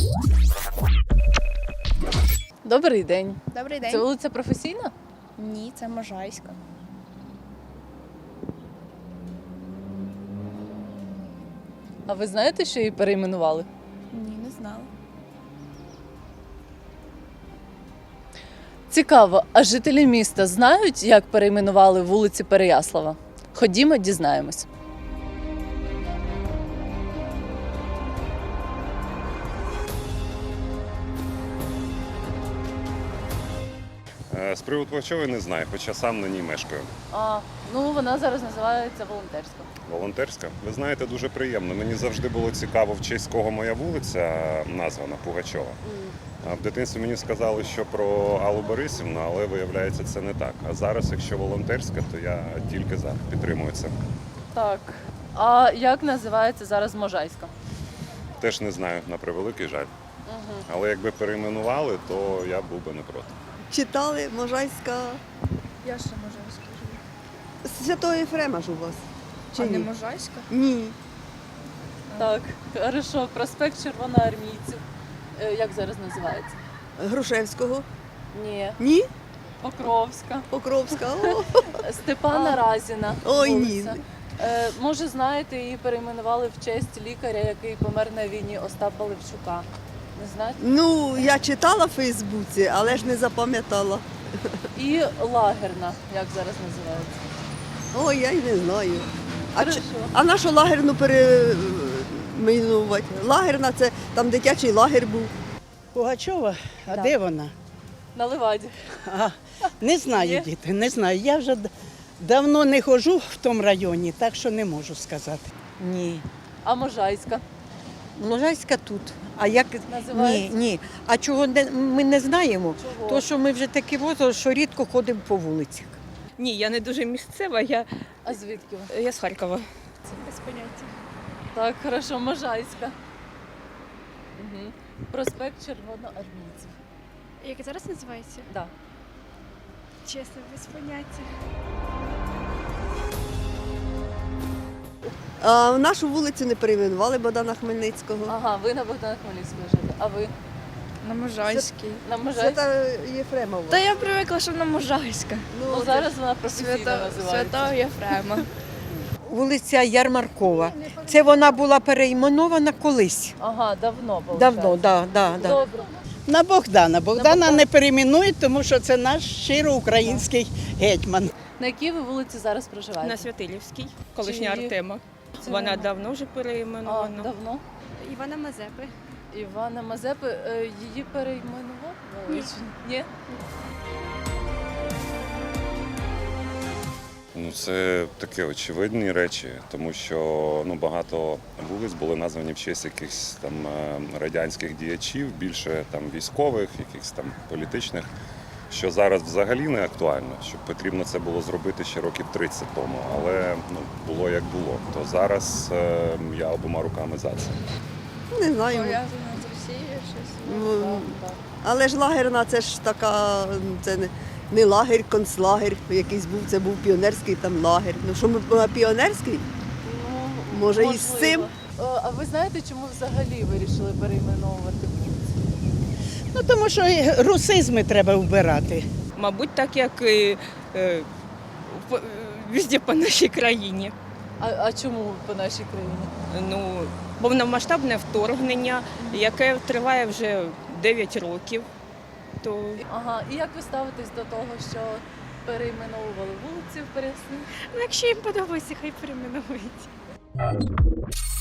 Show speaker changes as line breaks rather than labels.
Добрий день.
Добрий день.
Це вулиця Професійна?
Ні, це Можайська.
А ви знаєте, що її перейменували?
Ні, не знала.
Цікаво, а жителі міста знають, як перейменували вулиці Переяслава? Ходімо, дізнаємось.
З приводу Пугачової не знаю, хоча сам на ній мешкаю.
Вона зараз називається Волонтерська.
Волонтерська. Ви знаєте, дуже приємно. Мені завжди було цікаво, в честь кого моя вулиця названа Пугачова. В дитинстві мені сказали, що про Аллу Борисівну, але виявляється, це не так. А зараз, якщо Волонтерська, то я тільки за, підтримую це.
Так. А як називається зараз Можайська?
Теж не знаю, на превеликий жаль. Але якби перейменували, то я був би не проти.
Читали Можайська.
Я ще Можайська живу.
Святого Єфрема ж у вас? Чи
А не
ні?
Можайська?
Ні.
Так, хорошо. Проспект Червоноармійців. Як зараз називається?
Грушевського?
Ні.
Ні?
Покровська.
Покровська? О,
Степана Разіна.
Ой, ні.
вулиця. Може, знаєте, її перейменували в честь лікаря, який помер на війні, Остапа Левчука. Не знаєте?
Ну, я читала в Фейсбуці, але ж не запам'ятала.
І лагерна, як зараз називається.
Ой, я й не знаю.
Хорошо.
А нашу лагерну перейменувати? Лагерна це там дитячий лагер був.
Пугачова? А
Да.
де вона?
На Леваді.
А, не знаю,
Є?
діти, не знаю. Я вже давно не ходжу в тому районі, так що не можу сказати.
Ні.
А Можайська
Можайська тут. А як
називається?
ні. А чого ми не знаємо?
Чого?
То що ми вже такі возраст, що рідко ходимо по вулицях.
Ні, я не дуже місцева,
А звідки ви?
я з Харкова.
Без поняття.
Так, хорошо, Можайська. Угу. Проспект Червоноармійців.
Як зараз називається?
Да.
Чесно, без поняття.
А нашу вулицю не перейменували Богдана Хмельницького.
Ага, ви на Богдана Хмельницького живете. А ви
На Можайській.
на Можайській?
Свята Єфрема у вас.
Та я привикла, що на Можайська.
Ну, зараз вона професійно називається.
Святого Єфрема.
Вулиця Ярмаркова. Це вона була перейменована колись.
Ага, давно, виходить.
Давно, да.
Добре.
На Богдана. Богдана
Богдана.
не перейменують, тому що це наш щиро український гетьман.
На якій ви вулиці зараз проживаєте?
На Святилівській, колишня
Чи її-
Артема.
Чи
Вона
нема?
давно вже
А,
переіменована.
давно?
Івана Мазепи.
Івана Мазепи, її перейменували?
Ні.
Ні?
Ну, це такі очевидні речі, тому що багато вулиць були названі в честь якихось там радянських діячів, більше там військових, якихось там політичних, що зараз взагалі не актуально, що потрібно це було зробити ще років 30 тому, але було як було. То зараз я обома руками за це.
Не знаю.
Пов'язана з Росією щось.
Ну, але ж лагерна це ж така, це не лагер, концлагер якийсь був, це був піонерський там лагер. Ну що ми піонерський?
Ну,
Може, і з
можливо.
цим?
А ви знаєте, чому взагалі вирішили перейменовувати вулиці?
Ну, тому що русизми треба вбирати.
Мабуть, так як і везде по нашій країні.
А чому по нашій країні?
Ну, повномасштабне вторгнення, яке триває вже 9 років. То
Ага, і як ви ставитесь до того, що перейменовували вулиці в Пересні?
Ну, якщо їм подобається, хай перейменують.